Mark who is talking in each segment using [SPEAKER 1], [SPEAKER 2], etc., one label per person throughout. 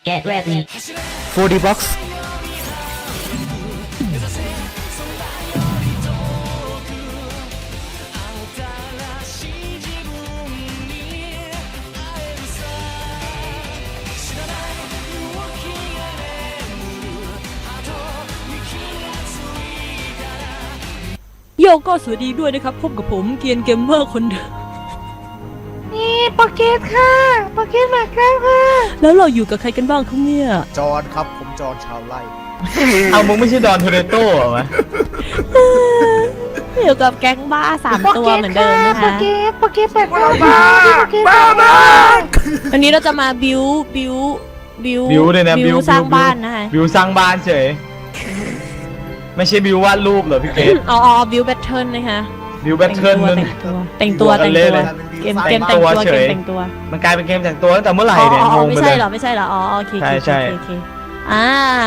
[SPEAKER 1] Get ready.
[SPEAKER 2] 4D box
[SPEAKER 3] โยก็สวัสดีด้วยนะครับพบกับผมเกียนเกมเมอร์คนเดิม
[SPEAKER 4] นี่ปาเกตค่ะปาเกตมาแล้วค่ะ
[SPEAKER 3] แล้วเราอยู่กับใครกันบ้างครับเนี่ย
[SPEAKER 2] จอนครับผมจอนชาวไร่
[SPEAKER 5] เอามึงไม่ใช่ดอนโทเรโต้เหรอวะ
[SPEAKER 3] อยู่กับแก๊งบ้า3 ตัวเหมือนเดิมนะคะ
[SPEAKER 4] ปาเกตแปลกบ้าปาเกตบ้า
[SPEAKER 3] วันนี้เราจะมาบิว
[SPEAKER 5] เลยนะบิว
[SPEAKER 3] สร้างบ้านนะคะ
[SPEAKER 5] บิวสร้างบ้านเฉย ไม่ใช่บิววาดรูปเหรอพี่เกด
[SPEAKER 3] อ๋อบิวแบทเทิลนะคะ
[SPEAKER 5] บิวแบทเทิลนั่น
[SPEAKER 3] แต่งตัว
[SPEAKER 5] เกมแต่งตัว มันกลายเป็นเกมแต่งตัวตั้งแต่เมื่อไหร่เนี่ยงง
[SPEAKER 3] ไม่
[SPEAKER 5] ไป
[SPEAKER 3] ใช่
[SPEAKER 5] เลย
[SPEAKER 3] เหรอไม่ใช่เหรออ๋อโอเค
[SPEAKER 5] ใช่
[SPEAKER 3] โอเคอ่า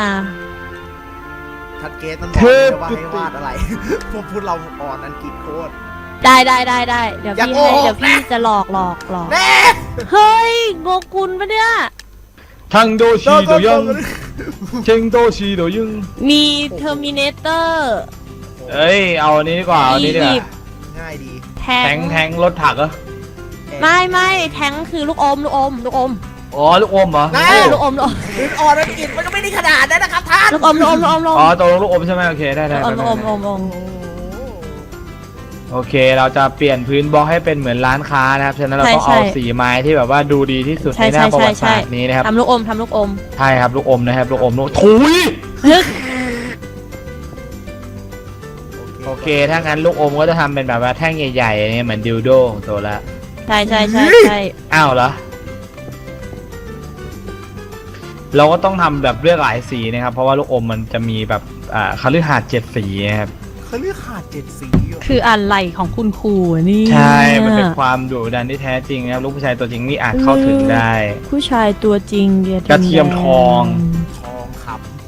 [SPEAKER 2] ทัดเกตมันบอกเลยว่าให้วาดอะไร พวกพูดเราอ่อนอังกฤษโคตร
[SPEAKER 3] ได้เดี๋ยว
[SPEAKER 2] อย่า
[SPEAKER 3] พี่
[SPEAKER 2] โกหก
[SPEAKER 3] เดี๋ยวพี่จะหลอก
[SPEAKER 2] แน่
[SPEAKER 3] เฮ้ยโงกุลปะเนี่ย
[SPEAKER 5] ทั้งโดชีโดยังเชงโดชีโดยึง
[SPEAKER 3] มีเทอร์มินเตอร์
[SPEAKER 5] เอ้ยเอาอันนี้ดีกว่าเอาอันนี้ดีกว่า
[SPEAKER 2] ง่ายดี
[SPEAKER 3] แท
[SPEAKER 5] แทงรถถักเหรอ
[SPEAKER 3] ไม่แทงคือลูกอม
[SPEAKER 5] อ๋อลูกอมเหรอ
[SPEAKER 3] ลูกอม
[SPEAKER 2] พื้นอ่อนอังกฤษมันก็ไม่ได้ขนาดนั้นนะครับท่าน
[SPEAKER 3] ลูกอม
[SPEAKER 5] อ๋อตกลงลูกอมใช่ไหมโอเคได้
[SPEAKER 3] ลูกอม
[SPEAKER 5] โอเคเราจะเปลี่ยนพื้นบล็อกให้เป็นเหมือนร้านค้านะครับฉะนั้นเราต้องเอาสีไม้ที่แบบว่าดูดีที่สุดในหน้าประวัติศาสตร์นี้นะครับ
[SPEAKER 3] ทำลูกอม
[SPEAKER 5] ใช่ครับลูกอมนะครับลูกอมลูกถุยโอเคถ้างั้นลูกอมก็จะทำเป็นแบบว่าแท่งใหญ่ๆเนี่ยเหมือนดิวโดของโซละ
[SPEAKER 3] ใช่
[SPEAKER 5] อ้าวเหรอเราก็ต้องทำแบบเลือกหลายสีนะครับเพราะว่าลูกอมมันจะมีแบบคฤหาสน์7 สีนะครับ
[SPEAKER 2] เขาเรียกขาด7 สีอยู่
[SPEAKER 3] คืออะไรของคุณครูนี่
[SPEAKER 5] ใช่มันเป็นความดุดันที่แท้จริงนะครับลูกผู้ชายตัวจริงนี่อาจเข้าถึงได้
[SPEAKER 3] ผู้ชายตัวจริง
[SPEAKER 5] กระเทียมทอง
[SPEAKER 2] ทองค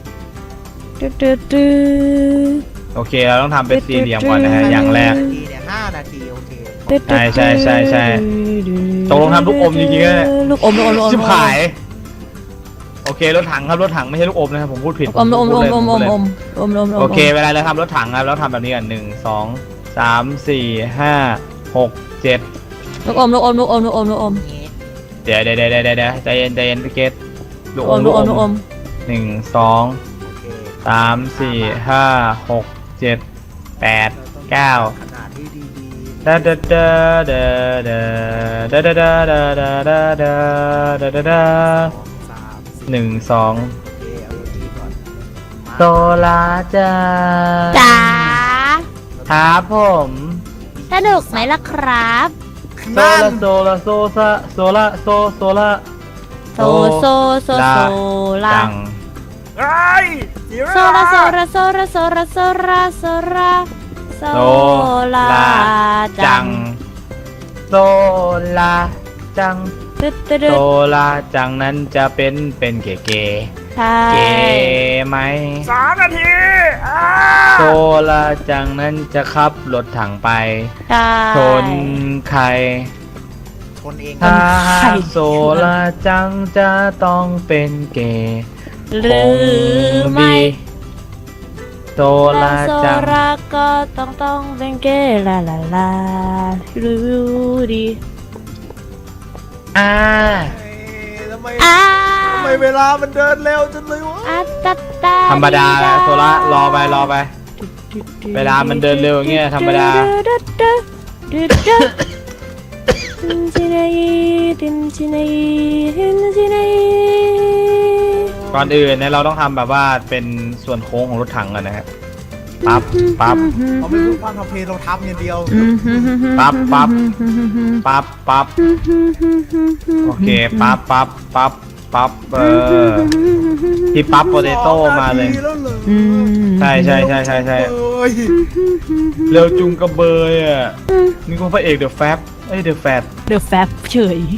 [SPEAKER 3] ตื้อ
[SPEAKER 5] โอเคเราต้องทำเป็นสี่เหลี่ยมก่อนนะฮะอย่างแรก
[SPEAKER 2] ำนาทีเนี่ย5 นาทีโอเค
[SPEAKER 5] ใช่ตกลงทำลูกอมจริงๆนะ
[SPEAKER 3] ลูกอม
[SPEAKER 5] ชิบหายโอเครถถังครับรถถังไม่ใช่ลูกอมนะครับผมพูดผิด
[SPEAKER 3] อม
[SPEAKER 5] โอเคเวลาเราทำรถถังครับเราทำแบบนี้กัน1 2 3 4 5 6 7
[SPEAKER 3] ลูกอม
[SPEAKER 5] เดี๋ยวใจเย็นพี่เกตลูกอม1 2
[SPEAKER 2] โอเค
[SPEAKER 5] 3 4 5 6 7 8 9
[SPEAKER 2] ขนาดที่ดี
[SPEAKER 5] ดาดาดาดาดาดาดาดาดาดาดาดาดาดาดา
[SPEAKER 2] 2 3 4
[SPEAKER 5] 1 2
[SPEAKER 2] โอเคเอาอย่างนี้ก่อน
[SPEAKER 5] โซลาจ้า
[SPEAKER 3] จ๋า
[SPEAKER 5] ครับผม
[SPEAKER 3] สนุกไหมล่ะครับ
[SPEAKER 5] โซลาโซลาจัง
[SPEAKER 2] เฮ้ย
[SPEAKER 3] โซลาจัง
[SPEAKER 5] โซลาจังโซลาจังนั้นจะเป็นเก๋ๆ
[SPEAKER 3] ใช่
[SPEAKER 5] เก๋ไหม
[SPEAKER 2] 3 นาทีอ้า
[SPEAKER 5] โซลาจังนั้นจะขับรถถังไป
[SPEAKER 3] ใช่
[SPEAKER 5] ชนใคร
[SPEAKER 2] ชนเอง
[SPEAKER 5] ถ้าโซลาจังจะต้องเป็นเก๋ย์
[SPEAKER 3] หรือไม่
[SPEAKER 5] โซลาจัง
[SPEAKER 3] ก็ต้องเป็นเกย์ลารู้ดี
[SPEAKER 2] ทำไมเวลามันเดินเร็วจังเลยวะ
[SPEAKER 5] ธรรมดาโซลารอไปเวลามันเดินเร็วอย่างเงี้ยธรรมดาก่อนอื่นเนี่ยเราต้องทำแบบว่าเป็นส่วนโค้งของรถถังกันนะครับปั๊บ
[SPEAKER 2] เราไม่พูดความทำเพลงเราทำอย่างเดียว
[SPEAKER 5] ปั๊บโอเคปั๊บที่ปั๊บโปเตโต้มาเลย ใช่เร็วจุงกระเบยอ่ะนี่ก็พระเอกเดอะแฟบเดอะแฟด
[SPEAKER 3] เดอะแฟบเฉย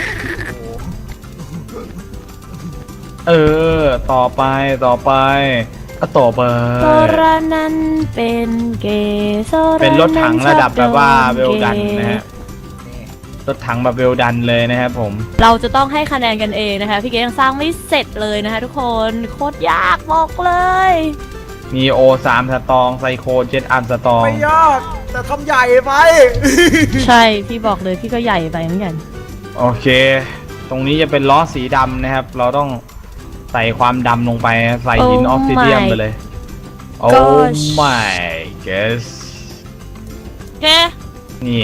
[SPEAKER 5] ต่อไปก็ต่อไป
[SPEAKER 3] โซรานั้นเป็นเกย์
[SPEAKER 5] เป็นรถถังระดับแบบว่าเวลดันนะฮะรถถังแบบเวลดันเลยนะครับผม
[SPEAKER 3] เราจะต้องให้คะแนนกันเองนะคะพี่เกดยังสร้างไม่เสร็จเลยนะคะทุกคนโคตรยากบอกเลย
[SPEAKER 5] มีโอ3สตองไซโคเจ็ตอัมสตอง
[SPEAKER 2] ไม่ยากแต่ทำใหญ่ไป
[SPEAKER 3] ใช่พี่บอกเลยพี่ก็ใหญ่ไปเหมือนกัน
[SPEAKER 5] โอเค ตรงนี้จะเป็นล้อสีดำนะครับ เราต้องใส่ความดำลงไปใส่หินออฟซิเดียมไปเลย โอ้ my guess
[SPEAKER 3] โอเค
[SPEAKER 5] นี่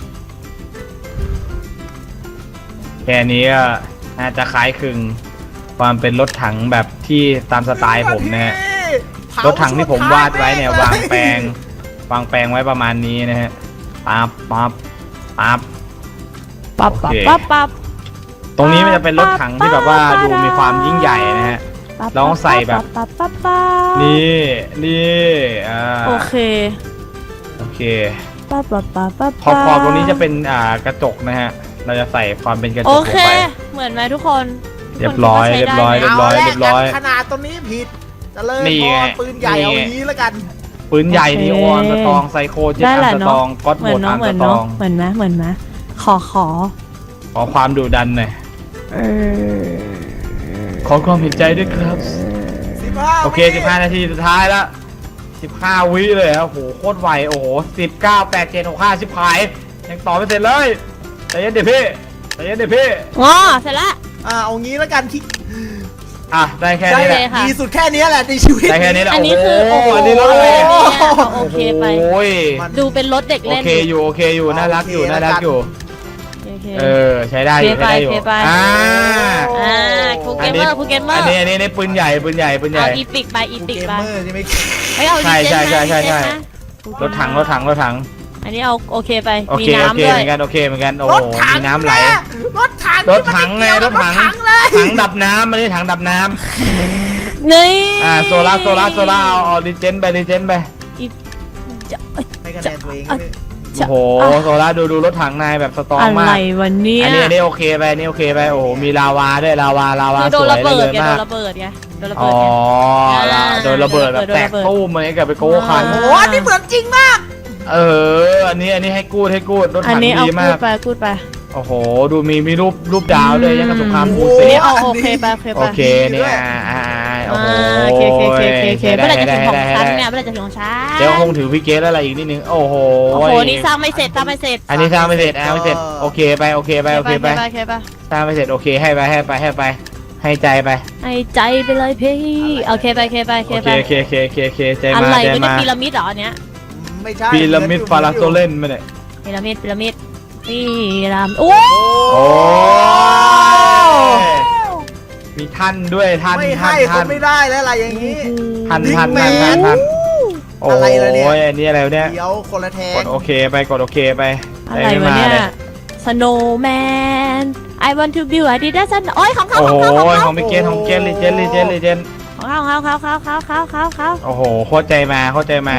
[SPEAKER 5] แค่นี้ก็น่าจะคล้ายคลึงความเป็นรถถังแบบที่ตามสไตล์ผมนะฮะ รถถังที่ผมวาดไว้เนี่ยวางแปลงไว้ประมาณนี้นะฮะปั๊บปั๊บปั๊บ
[SPEAKER 3] ปั๊บ
[SPEAKER 5] โอเค
[SPEAKER 3] ปั๊บปั๊บ
[SPEAKER 5] ตรงนี้มันจะเป็นรถถังที่แบบว่าดูมีความยิ่งใหญ่นะฮะ เราต้องใส่แบบ
[SPEAKER 3] ปั๊บปั๊บปั๊บ
[SPEAKER 5] นี่
[SPEAKER 3] โอเค
[SPEAKER 5] โอเค
[SPEAKER 3] ปั๊บปั๊บปั๊บปั๊บ
[SPEAKER 5] ขอบตรงนี้จะเป็นกระจกนะฮะ เราจะใส่ความเป็นกระจก
[SPEAKER 3] โอ
[SPEAKER 5] ลง
[SPEAKER 3] เค
[SPEAKER 5] ไป
[SPEAKER 3] เหมือนไหมทุกคน
[SPEAKER 5] เรียบร้อย
[SPEAKER 3] ทุกคนคิดว่าใช้ได้ไหม
[SPEAKER 5] เรียบร้อย
[SPEAKER 2] ขนาดตัวนี้ผิดจะเลย
[SPEAKER 5] นี่
[SPEAKER 2] พ
[SPEAKER 5] ไง
[SPEAKER 2] อปืนใหญ่
[SPEAKER 5] นี่
[SPEAKER 2] เอา
[SPEAKER 5] ไง
[SPEAKER 2] นี้แล้วกัน
[SPEAKER 5] ปืนใหญ่นีออนสตองไซโคเจ็ต
[SPEAKER 3] ได้
[SPEAKER 5] อั
[SPEAKER 3] แห
[SPEAKER 5] ม
[SPEAKER 3] ละ
[SPEAKER 5] ส
[SPEAKER 3] เนาะ
[SPEAKER 5] ตองก็อด
[SPEAKER 3] เห
[SPEAKER 5] โห
[SPEAKER 3] มื
[SPEAKER 5] ม
[SPEAKER 3] อน
[SPEAKER 5] ด
[SPEAKER 3] เนาะ
[SPEAKER 5] อัม
[SPEAKER 3] เหมื
[SPEAKER 5] ส
[SPEAKER 3] อน
[SPEAKER 5] ตอ
[SPEAKER 3] เนาะ
[SPEAKER 5] ง
[SPEAKER 3] เหมือนไหมเหมือนไหมขอ
[SPEAKER 5] ขอความดุดันหน่อยขอความเห็นใจด้วยครับ
[SPEAKER 2] 15
[SPEAKER 5] โอเค 15 นาทีสุดท้ายแล้ว 15 วิเลยครับโอ้โหโคตรไว โอ้โห 19 8 7 6 5 10ขายยังต่อไม่เสร็จเลยใจเย็นเดี๋ยวพี่ใจเย็นเดี๋ยวพี่
[SPEAKER 3] อ๋อเสร็จแล้ว
[SPEAKER 2] เอางี้แล้วกันที่
[SPEAKER 5] อ่ะ ได้แค่นี้แหละ
[SPEAKER 3] ได้เลยค่ะ
[SPEAKER 2] ดีสุดแค่นี้แหละในชีวิต
[SPEAKER 5] ได้แค่นี้แหละ
[SPEAKER 3] อันนี้คือ
[SPEAKER 5] โอ้โห
[SPEAKER 3] โอ้โห
[SPEAKER 5] อันนี้รถอะไร
[SPEAKER 3] อัน
[SPEAKER 5] เนี่ย
[SPEAKER 3] นี้เอาโอเคไป
[SPEAKER 5] โอ้ย
[SPEAKER 3] ดูเป็นรถเด็ก
[SPEAKER 5] โอ
[SPEAKER 3] เล่น
[SPEAKER 5] เคอยู่ โอเคอยู่ น่ารักอยู่ น่ารักอยู่
[SPEAKER 3] โอเค
[SPEAKER 5] ใช้ได้อยู่
[SPEAKER 3] โอเค
[SPEAKER 5] ใช้ได้อยู่
[SPEAKER 3] โอเคไป
[SPEAKER 5] อ่า
[SPEAKER 3] ครูเกมเมอร์ครูเกมเมอร์
[SPEAKER 5] อันนี้ปืนใหญ่ปืนใหญ่ปืนใหญ่
[SPEAKER 3] เอาอีปิกไปอี
[SPEAKER 2] กู
[SPEAKER 3] ปิก
[SPEAKER 2] เกม
[SPEAKER 3] ไป
[SPEAKER 2] เมอร์ใช่ไหม
[SPEAKER 3] ไม่เอา
[SPEAKER 5] ใช่
[SPEAKER 3] ดีเจน
[SPEAKER 5] ใช่
[SPEAKER 3] นะ
[SPEAKER 5] ใช่
[SPEAKER 3] ดีเจน
[SPEAKER 5] ใช่
[SPEAKER 3] นะ
[SPEAKER 5] รถถังรถถังรถถัง
[SPEAKER 3] อันนี้เอาโอเคไป
[SPEAKER 5] โอ
[SPEAKER 3] มี
[SPEAKER 5] เคโอ
[SPEAKER 3] น้ำ
[SPEAKER 5] เค
[SPEAKER 3] ด้
[SPEAKER 5] เห
[SPEAKER 3] วย
[SPEAKER 5] มือนกันโอเคเหมือนกันโอ้
[SPEAKER 2] ร
[SPEAKER 5] โห
[SPEAKER 2] ถถัง
[SPEAKER 5] มีน้ำไหล
[SPEAKER 2] แรถถัง
[SPEAKER 5] รถถังไงรถถัง
[SPEAKER 2] เลย
[SPEAKER 5] ถังดับน้ำไม่ใช่ถังดับน้
[SPEAKER 3] นี่
[SPEAKER 5] ำโซล่าเอาดิเจนไปดิเจนไป
[SPEAKER 2] ให้คะแนนตัวเองก็ได้
[SPEAKER 5] โอ้โหโซล่าดูรถถังนายแบบสตรอง
[SPEAKER 3] อะไร
[SPEAKER 5] มาก
[SPEAKER 3] วันนี้
[SPEAKER 5] อันนี้โอเคไปนี่โอเคไปโอ้โหมีลาวาด้วยลาวา
[SPEAKER 3] คือ
[SPEAKER 5] ส
[SPEAKER 3] โดน
[SPEAKER 5] วย
[SPEAKER 3] ระเบิด
[SPEAKER 5] เลย
[SPEAKER 3] ไง
[SPEAKER 5] มาก
[SPEAKER 3] โดนระเบิดไงโดนระ
[SPEAKER 5] อ๋
[SPEAKER 3] เบิ
[SPEAKER 5] อ
[SPEAKER 3] ดไง
[SPEAKER 5] โดนระเบิดแบบแตก
[SPEAKER 3] โดนระเบิด
[SPEAKER 5] ตู้เหมือนกับไปโก้คัน
[SPEAKER 2] โอ้โหอันนี่เหมือนจริงมาก
[SPEAKER 5] อันนี้ให้กูดรถ
[SPEAKER 3] อัน
[SPEAKER 5] ถัง
[SPEAKER 3] นี้เอา
[SPEAKER 5] ดี
[SPEAKER 3] พู
[SPEAKER 5] มา
[SPEAKER 3] ด
[SPEAKER 5] ก
[SPEAKER 3] ไปพูดไป
[SPEAKER 5] โอ้โหดูมีรูปดาวด้วยยังกับสงคราม
[SPEAKER 2] โอ้
[SPEAKER 5] บู
[SPEAKER 2] โห
[SPEAKER 5] เซ่
[SPEAKER 3] นี่เอาโอเคไปโอเค
[SPEAKER 5] โอ
[SPEAKER 3] ไป
[SPEAKER 5] เคเนี่ยโอ้โห
[SPEAKER 3] โอเคโอเคเมื่อไหร่จะถึงของฉัน
[SPEAKER 5] ได้
[SPEAKER 3] เนี่ยเมื่อไหร่จะถึงของฉัน
[SPEAKER 5] เดี๋ยวคงถือพี่เกสอะไรอีกนิดนึงโอ้โห
[SPEAKER 3] โอ้โหนี่สร้างไม่เสร็จสร้างไม่เสร็จ
[SPEAKER 5] อันนี้สร้างไม่เสร็จไม่เสร็จโอเคไปโอเคไป
[SPEAKER 3] โอเคไป
[SPEAKER 5] สร้างไม่เสร็จโอเคให้ไปให้ใจไป
[SPEAKER 3] ให้ใจไปเลยพี่โอเคไปโอเคไปโอเค
[SPEAKER 5] โอ
[SPEAKER 3] ไป
[SPEAKER 5] เคใจ
[SPEAKER 3] อะ
[SPEAKER 5] มา
[SPEAKER 3] ไร
[SPEAKER 5] ใจ
[SPEAKER 3] มันจะ
[SPEAKER 5] มา
[SPEAKER 3] พีระมิดเหรออันเนี้ย
[SPEAKER 2] ไม่ใช่
[SPEAKER 5] พีระมิดฟาราโซเลนมาเนี่ย
[SPEAKER 3] พีระมิดพีระมิดโอ้
[SPEAKER 5] โอ้มีท่านด้วยท่าน
[SPEAKER 2] ไม่ให้คนไม่ได้แล้วอะไรอย่างนี้
[SPEAKER 5] ท่าน โอ้
[SPEAKER 2] อะไรล่ะเนี่ย
[SPEAKER 5] ยอันนี้อะไรเนี่ย
[SPEAKER 2] เดี๋ยวคนละแท
[SPEAKER 5] ก
[SPEAKER 2] ง
[SPEAKER 5] ดโอเคไปกดโอเคไป
[SPEAKER 3] อะไรวะเนี่ย Snowman I want to build a dinosaur โอ้ยของเขา
[SPEAKER 5] โอ้
[SPEAKER 3] ของ
[SPEAKER 5] โห
[SPEAKER 3] เขาของเขา
[SPEAKER 5] ของพี่เกสของเกสลีเจน
[SPEAKER 3] ของเขา
[SPEAKER 5] โอ้โหโคตรใจมา
[SPEAKER 3] ใจมา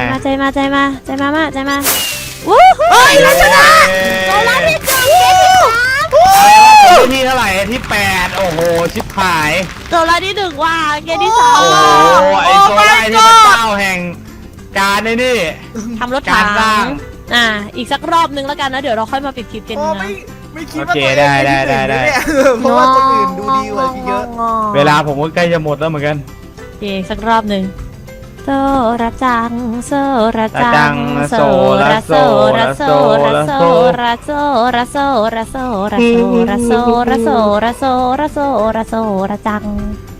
[SPEAKER 3] วู้เฮ้ยเราชนะเราลัดที่สอง
[SPEAKER 5] ที่เท่าไหร่ที่8โอ้โหชิบหาย
[SPEAKER 3] เราลัดที่หนึ่งว่าเกมที่สอง
[SPEAKER 5] โอ้โหไอโซไลที่พระเจ้าแห่งการในนี่
[SPEAKER 3] ทำรถถั
[SPEAKER 5] การสร้าง
[SPEAKER 3] งอีกสักรอบนึงแล้วกันนะเดี๋ยวเราค่อยมาปิดคลิปกัน
[SPEAKER 2] โอ้
[SPEAKER 3] นะ
[SPEAKER 2] ไม่คิดว่า
[SPEAKER 5] โอเค
[SPEAKER 2] ตัวเอง
[SPEAKER 5] ได้
[SPEAKER 2] เป็นที่หนึ่งเนี่ยเพราะว่าคนอื่นดูดีกว่าพี่เยอะ
[SPEAKER 5] เวลาผมก็ใกล้จะหมดแล้วเหมือนกัน
[SPEAKER 3] โอเคสักรอบหนึ่งโซระจังโซระจั
[SPEAKER 5] จั
[SPEAKER 3] ง
[SPEAKER 5] ง
[SPEAKER 3] โซ
[SPEAKER 5] โซ
[SPEAKER 3] ระ
[SPEAKER 5] ระ
[SPEAKER 3] โซ
[SPEAKER 5] โซ
[SPEAKER 3] ระโซระโซ
[SPEAKER 5] ระโซ
[SPEAKER 3] ระโซระโซระโซระโซระโซระโซระโซระโซระโซระจัง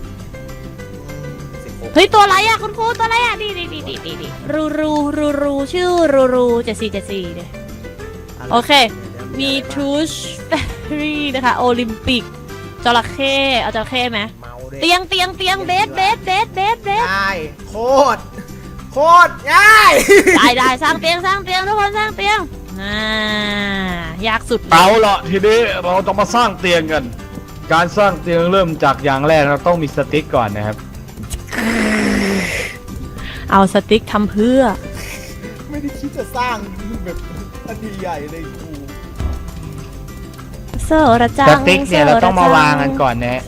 [SPEAKER 3] เฮ้ยตัวอะไรอ่ะคุณครูตัวอะไรอ่ะดีรูชื่อรู7474เนี่ยโอเคมีทูชเฟรี่นะคะโอลิมปิกจระเข้เอาจระเข้ไหม
[SPEAKER 2] เมาด้วย
[SPEAKER 3] เตียงเบส
[SPEAKER 2] ง่ายโคตรง่าย
[SPEAKER 3] ได้สร้างเตียงทุกคนสร้างเตียงยากสุด
[SPEAKER 5] เอาละทีนี้เราต้องมาสร้างเตียงกัน การสร้างเตียงเริ่มจากอย่างแรกเราต้องมีสติ๊กก่อนนะครับ
[SPEAKER 3] เอาสติ๊กทำเพื่อ
[SPEAKER 2] ไม่ได้คิดจะสร้างแบบอันใหญ่เลยกู
[SPEAKER 3] โซระจั
[SPEAKER 5] ส
[SPEAKER 3] ง
[SPEAKER 5] ติ๊กเนี่ยเราต้องมาวางกันก่อนนะฮะ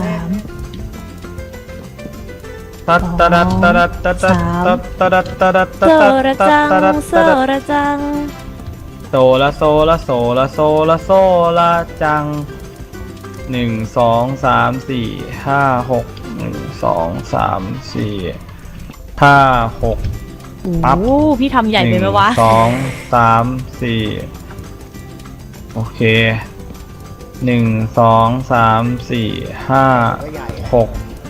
[SPEAKER 3] 2 3
[SPEAKER 5] ตัด
[SPEAKER 3] โซระจัง
[SPEAKER 5] โซละโซละโซละโซละโซละจัง1 2 3 4 5 6 1 2 3 4 5 6 ปั๊บ
[SPEAKER 3] โอ้พี่ทำใหญ่ไปไหมวะ
[SPEAKER 5] 1 2 3 4โอเค1 2 3 4 5
[SPEAKER 2] ก็ใหญ่อะ
[SPEAKER 5] 6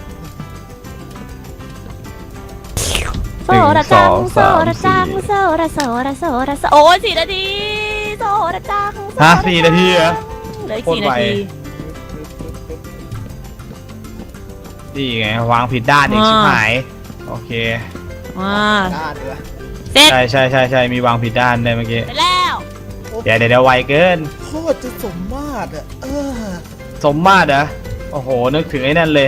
[SPEAKER 3] โซระจังโซระจังโซระโซระโซระโซโอ้ย4 นาทีโซระจังโซระจัง
[SPEAKER 5] ฮะ4 นาทีเหรอ
[SPEAKER 3] เหลืออีก
[SPEAKER 5] โคตร
[SPEAKER 3] 4
[SPEAKER 5] ไว
[SPEAKER 3] นาที
[SPEAKER 5] นี่ไงวางผิดด้านอีกชิบหายโอเค
[SPEAKER 2] ด้านด้วย
[SPEAKER 3] เสร็จ
[SPEAKER 5] ใช่มีวางผิดด้านได้เมื่อกี้
[SPEAKER 3] ไปแล้ว
[SPEAKER 5] เดี๋ยวไวเกิน
[SPEAKER 2] โคตรจะสมมาตรอ่ะ
[SPEAKER 5] สมมาตรเหรอโอ้โหนึกถึงไอ้นั่นเลย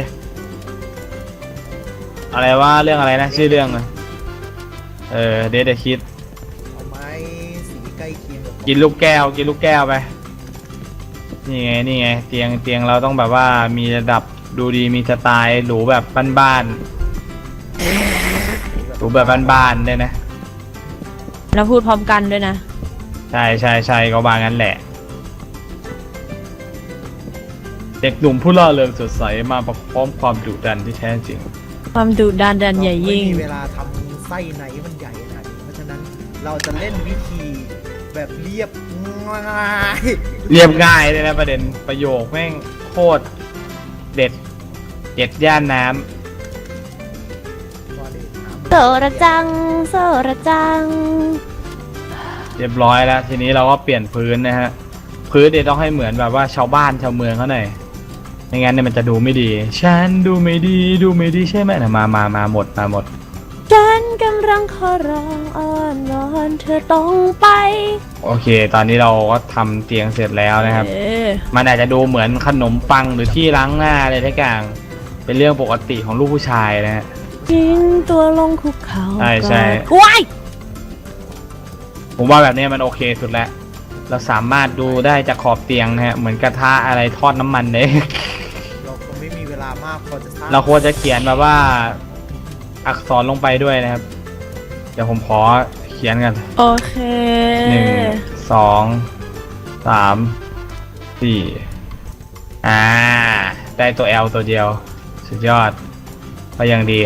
[SPEAKER 5] อะไรว่าเรื่องอะไรนะชื่อเรื่องอะเดทคิด
[SPEAKER 2] เอาไม้สีใกล้เคียงกับ
[SPEAKER 5] กินลูกแก้วไปนี่ไงเตียงเราต้องแบบว่ามีระดับดูดีมีสไตล์หรูแบบบ้านๆหรูแบบบ้านๆเลยนะ
[SPEAKER 3] เราพูดพร้อมกันด้วยนะ
[SPEAKER 5] ใช่ก็ว่างั้นแหละ เด็กหนุ่มผู้ล่าเริงสดใสมาพร้อมความดุดันที่แท้จริง
[SPEAKER 3] ความดุดันใหญ่ยิ่ง
[SPEAKER 2] ไม่มีเวลาทำไส้ในมันใหญ่ขนาดนี้เพราะฉะนั้นเราจะเล่นวิธีแบบเรียบง่าย
[SPEAKER 5] เรียบง่ายเลยนะประเด็นประโยคแม่งโคตรเด็ดย่านน้
[SPEAKER 2] ก็เลยถาม
[SPEAKER 3] โซระจังโซระจัง
[SPEAKER 5] ำเรียบร้อยแล้ว ทีนี้เราก็เปลี่ยนพื้นนะฮะ พื้นเดี๋ยวต้องให้เหมือนแบบว่าชาวบ้านชาวเมืองเขาหน่อยไม่งั้นเนี่ยมันจะดูไม่ดี ฉันดูไม่ดีใช่ไหมนะมาหมด
[SPEAKER 3] ฉันกำลังขอร้องอ้อนวอนเธอต้องไป
[SPEAKER 5] โอเค ตอนนี้เราก็ทำเตียงเสร็จแล้วนะครับ
[SPEAKER 3] เออ
[SPEAKER 5] มันอาจจะดูเหมือนขนมปังหรือที่ล้างหน้าอะไรทุกอย่างเป็นเรื่องปกติของลูกผู้ชายนะฮะ
[SPEAKER 3] ทิ้งตัวลงคุกเขา
[SPEAKER 5] ใช่
[SPEAKER 3] ว้าย
[SPEAKER 5] ผมว่าแบบนี้มันโอเคสุดแล้ว เราสามารถดูได้จากขอบเตียงนะฮะ เหมือนกระทะอะไรทอดน้ำมันเลย
[SPEAKER 2] เราคงไม่มีเวลามากพอจะสร้าง
[SPEAKER 5] เราควรจะเขียนแบบว่า อักษรลงไปด้วยนะครับ เดี๋ยวผมขอเขียนกัน
[SPEAKER 3] โอเค
[SPEAKER 5] 1 2 3 4ได้ตัว L ตัวเดียว สุดยอดก็ยังดี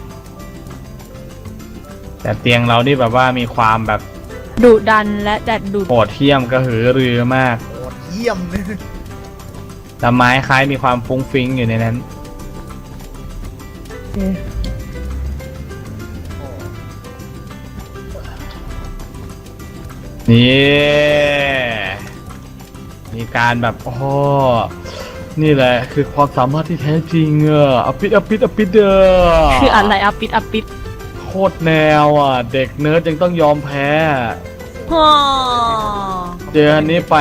[SPEAKER 5] แต่เตียงเรานี่แบบว่ามีความแบบ
[SPEAKER 3] ดุดันและจัดดุ
[SPEAKER 5] โหดเหี้ยมกระหือรือมาก
[SPEAKER 2] โหดเยี่ยมเลย
[SPEAKER 5] แต่ไม้คล้ายมีความฟุ้งฟิ้งอยู่ในนั้น นี่มีการแบบโอ้นี่แหละคือความสามารถที่แท้จริงอปิดเด้อ
[SPEAKER 3] คืออะไรอัปปิด
[SPEAKER 5] โคตรแนวเด็กเนิร์ดยังต้องยอมแพ้
[SPEAKER 3] ฮ่อ
[SPEAKER 5] เจออันนี้ไป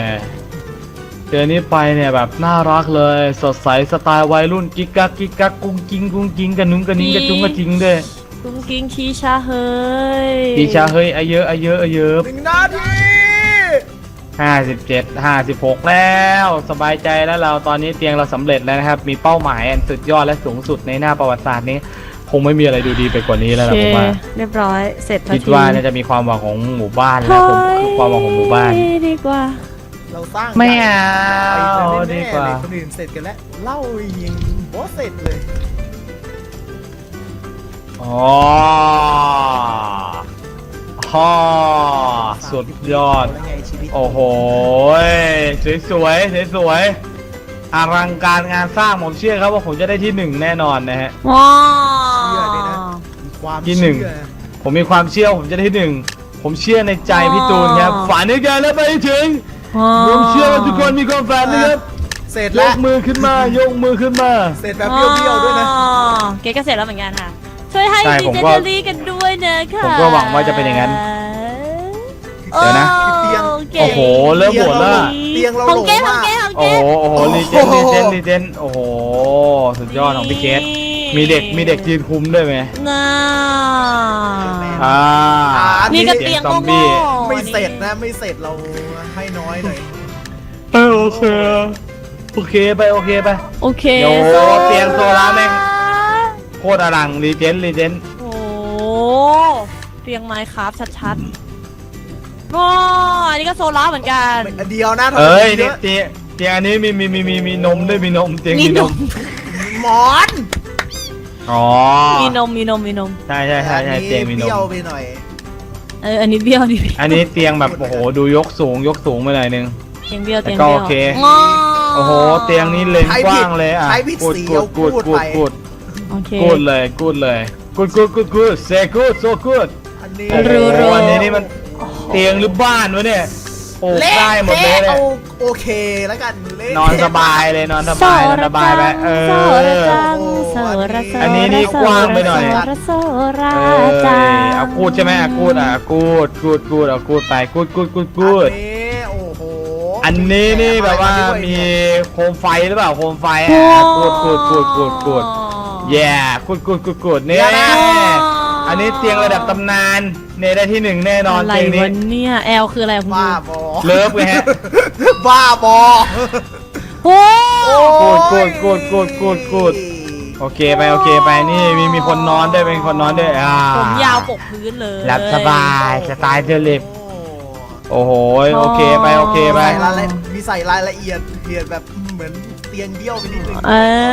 [SPEAKER 5] เนี่ยแบบน่ารักเลย สดใสสไตล์วัยรุ่นกิ๊กกักกุ้งกิ้งกันนุ้งกันนิ้งกระจุงกระจิงด้วย
[SPEAKER 3] กุ้งกิ้งชีชาเฮ้ย
[SPEAKER 5] ปีชาเฮ้ยเยอะ
[SPEAKER 2] 1 นาที
[SPEAKER 5] 56 แล้วสบายใจแล้วเราตอนนี้เตียงเราสำเร็จแล้วนะครับ มีเป้าหมายอันสุดยอดและสูงสุดในหน้าประวัติศาสตร์นี้ คงไม่มีอะไรดูดีไปกว่านี้แล้ว
[SPEAKER 3] โอ
[SPEAKER 5] ล่ะ
[SPEAKER 3] เค
[SPEAKER 5] ผมว่า
[SPEAKER 3] เรียบร้อยเสร็จ
[SPEAKER 5] คิดว่าน่าจะมีความหวังของหมู่บ้านแล้วผมคือความหวังของหมู่บ้าน
[SPEAKER 3] ดีกว่า
[SPEAKER 2] เราสร้าง
[SPEAKER 5] ไม่เอา
[SPEAKER 2] ใหญ่
[SPEAKER 5] ดีกว่า
[SPEAKER 2] แน่ๆเลยคนอื่นเสร็จกันแล้วเล่ายิงบอสเสร็จเลย
[SPEAKER 5] อ๋อสุดยอด
[SPEAKER 2] แล้วไงชีวิต
[SPEAKER 5] โอ้โหสวยอลังการงานสร้างผมเชื่อครับว่าผมจะได้ที่ 1 แน่นอนนะฮะ
[SPEAKER 3] ว้า
[SPEAKER 2] เชื่อเลยนะมีความ
[SPEAKER 5] ที่หนึ่ง
[SPEAKER 2] เชื่อ
[SPEAKER 5] ผมมีความเชื่อผมจะได้ที่ 1 ผมเชื่อในใจพี่ตูนครับฝันในการแล้วไปให้ถึงผมเชื่อว่าทุกคนมีความฝันนะครับ
[SPEAKER 2] เสร็จ
[SPEAKER 5] ย
[SPEAKER 2] แล้ว
[SPEAKER 5] กมือขึ้นมา
[SPEAKER 2] เสร็จแบบเบี้ยวๆด้วยนะ
[SPEAKER 3] เก๊ก็เสร็จแล้วเหมือนกันค่ะ ช่วยให้
[SPEAKER 5] ใช่
[SPEAKER 3] ดี
[SPEAKER 5] ผม
[SPEAKER 3] เจ
[SPEAKER 5] ก็
[SPEAKER 3] เนอรี่กันด้วยนะคะ
[SPEAKER 5] ผมก็หวังว่าจะเป็นอย่างนั้น เดี๋ยวนะ
[SPEAKER 2] เตียง
[SPEAKER 5] โอ้โหเริ่มโหดแล้ว
[SPEAKER 2] เตียงเรา
[SPEAKER 3] ของ
[SPEAKER 2] โหล
[SPEAKER 3] เก๊ขอ
[SPEAKER 2] มาง ก
[SPEAKER 3] เก๊ของ
[SPEAKER 5] โอ้
[SPEAKER 3] เก๊
[SPEAKER 5] โหรีเจนโอ้โหสุดยอดของพี่เกตมีเด็กยืนคุมด้วยไหม
[SPEAKER 3] น่า
[SPEAKER 5] อ่า
[SPEAKER 3] นี่ก็
[SPEAKER 5] สี
[SPEAKER 3] เตียง
[SPEAKER 5] ซอ
[SPEAKER 3] โง่
[SPEAKER 5] มบี้
[SPEAKER 3] ๆ
[SPEAKER 2] ไม่เสร็จนะไม่เสร็จเราให้น้อยหน่อย
[SPEAKER 5] โอเคโอเคไป
[SPEAKER 3] โอเค
[SPEAKER 5] เดี๋ยวเตียงโซล่าแม่ง โคตรอลังรีเจน
[SPEAKER 3] โอ้เตียงไม้ครับชัดอ๋ออันนี้ก็โซล่าเหมือนกัน
[SPEAKER 2] อันเดียวนะ
[SPEAKER 5] เอ้ย
[SPEAKER 2] เย
[SPEAKER 5] เนี่ย
[SPEAKER 2] อะ
[SPEAKER 5] เตียงอันนี้มีนมด้วยมีนมเตียงมีนม
[SPEAKER 2] หมอน
[SPEAKER 5] อ๋อ
[SPEAKER 3] มีนม
[SPEAKER 5] ใช่เตียงมีน
[SPEAKER 2] เบี้ยว
[SPEAKER 5] ม
[SPEAKER 2] ไปหน่อย
[SPEAKER 3] อันนี้เบี้ยวนี่
[SPEAKER 5] อันนี้เตียงแบบโอ้โหดูยกสูงไปหน่อยนึง
[SPEAKER 3] เตียงเบี้ยว
[SPEAKER 5] แต่
[SPEAKER 3] เตียง
[SPEAKER 5] ก็
[SPEAKER 3] เบี้
[SPEAKER 5] โอเค
[SPEAKER 3] งอ
[SPEAKER 5] โอ้โหเตียงนี้เลนกว้างเลยอ่ะ
[SPEAKER 2] ใช้ผิดสีเอาพูดไป
[SPEAKER 5] กูด
[SPEAKER 3] โอเค
[SPEAKER 5] กูดเลยกูดเซกูดโซกูด
[SPEAKER 2] อันนี้
[SPEAKER 5] โอ้โห
[SPEAKER 3] รู้
[SPEAKER 5] อันนี้นี่มันเตียงหรือบ้านวะเนี่ยโอ้ได้หมดเลย
[SPEAKER 2] เอาโอเคแล้วกันเละ
[SPEAKER 5] นอนสบายเลยนอนสบายไป
[SPEAKER 3] โซระจังโซระ
[SPEAKER 5] อันนี้นี่กว้างไปหน่อย
[SPEAKER 3] โซระ
[SPEAKER 5] เอ้
[SPEAKER 3] จัง
[SPEAKER 5] ยเอากูดใช่ไหมกูดเอากูดไปกูด
[SPEAKER 2] อันนี้โอ้โห
[SPEAKER 5] อันนี้นี่แบบว่ามีโคมไฟหรือเปล่าโคมไฟอ่ะกูดแย่กูดเนี่ยอันนี้เตียงระดับตำนานเนี่ยได้ที่หนึ่งแน่นอน
[SPEAKER 3] อะไร
[SPEAKER 5] เตียงนี้
[SPEAKER 3] วะเนี่ยแอลคืออะไรคุณ
[SPEAKER 2] บ้า
[SPEAKER 3] ดู
[SPEAKER 2] บอ
[SPEAKER 5] เลิฟไงฮะ
[SPEAKER 2] บ้าบอ
[SPEAKER 3] โอ้
[SPEAKER 5] กูดโอเคไปนี่มีคนนอนด้วยเป็นคนนอนด้วย
[SPEAKER 3] ผมยาวปกพื้นเลย
[SPEAKER 5] หลับสบายสไตล์เดลิฟโอ้โหโอเคไป
[SPEAKER 2] ใส่รายละมีใส่รายละเอียดแบบเหมือนเตียงเบี้ยวไปนิดนึง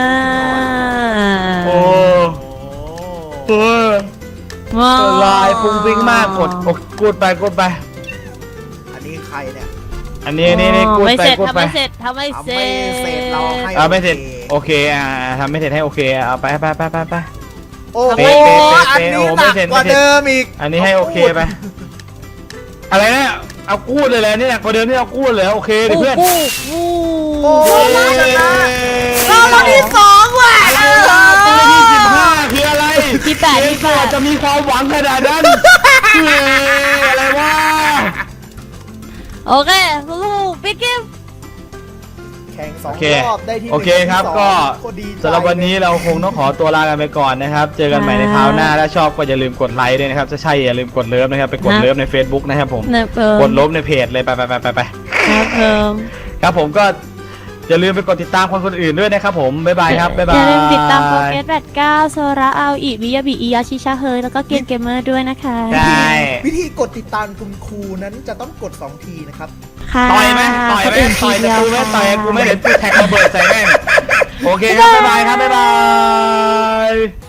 [SPEAKER 5] โอ้โหลายฟุ้งฟิ้งมากกูดไป
[SPEAKER 2] อันนี้ใครเนี่ย
[SPEAKER 5] อันนี้กูด
[SPEAKER 3] ไม่
[SPEAKER 5] ไป
[SPEAKER 3] เสร็จ
[SPEAKER 5] กูด
[SPEAKER 3] ทำ
[SPEAKER 5] ไป
[SPEAKER 3] ไม่เสร็จทำไม่เสร็จ
[SPEAKER 2] เสร็จเราให้
[SPEAKER 5] เอาไม่เสร็จโอเคทำไม่เสร็จให้โอเคเอาไป
[SPEAKER 2] โอ้โห
[SPEAKER 5] เป๊ะ
[SPEAKER 2] อันนี้
[SPEAKER 5] โอ้
[SPEAKER 2] ห
[SPEAKER 5] ไม่
[SPEAKER 2] นัก
[SPEAKER 5] เสร็จ
[SPEAKER 2] กว่าเดิมอีก
[SPEAKER 5] อันนี้ให้โอเคไปอะไรนะเอากูดเลยแหละนี่หนักกว่าเดิมที่เอากูดเลยโอเคดิเพื่อน
[SPEAKER 2] โอ้
[SPEAKER 5] เย้
[SPEAKER 2] ยชนะเราที่สองว่ะ
[SPEAKER 5] ตัวที่15คืออะไร
[SPEAKER 3] ที่แปด
[SPEAKER 5] จะมีความหวังขนาดนั้นอะไรวะ
[SPEAKER 3] โอเคลูกปิ๊กกิ๊บ
[SPEAKER 2] แข่งสอง
[SPEAKER 5] โอเค
[SPEAKER 2] รอบได้ที่
[SPEAKER 5] โอเคครับ
[SPEAKER 2] ที่สอง
[SPEAKER 5] ก็
[SPEAKER 2] โคตรดีใจ
[SPEAKER 5] สำหรับวันนี้เราคงต้องขอตัวลากันไปก่อนนะครับ เจอกันใหม่ในคราวหน้าถ้าชอบก็อย่าลืมกดไลค์ด้วยนะครับถ้าใช่อย่าลืมกดเลิฟนะครับไปกดเลิฟใน Facebook นะครับผม
[SPEAKER 3] นะเพิ่ม
[SPEAKER 5] กดลบในเพจเลยไป
[SPEAKER 3] นะเพิ่ม
[SPEAKER 5] ครับผมก็อย่าลืมไปกดติดตามคนอื่นด้วยนะครับผมบ๊ายบายครับบ๊ายบาย
[SPEAKER 3] อย่าลืมติดตามโปรเกส89โซระเอาอีวิยาบิอิยาชิชาเฮยแล้วก็เกมเกมเมอร์ด้วยนะคะ
[SPEAKER 5] ใช่
[SPEAKER 2] วิธีกดติดตามคุณครูนั้นจะต้องกด2ทีนะครับ
[SPEAKER 3] ค่ะ
[SPEAKER 5] ต่อยไหมต่อยกับกูไหมต่อยกับกูไหมเดี๋ยวกูแท็กระเบิดใส่แม่งโอเคครับบ๊ายบายครับบ๊ายบาย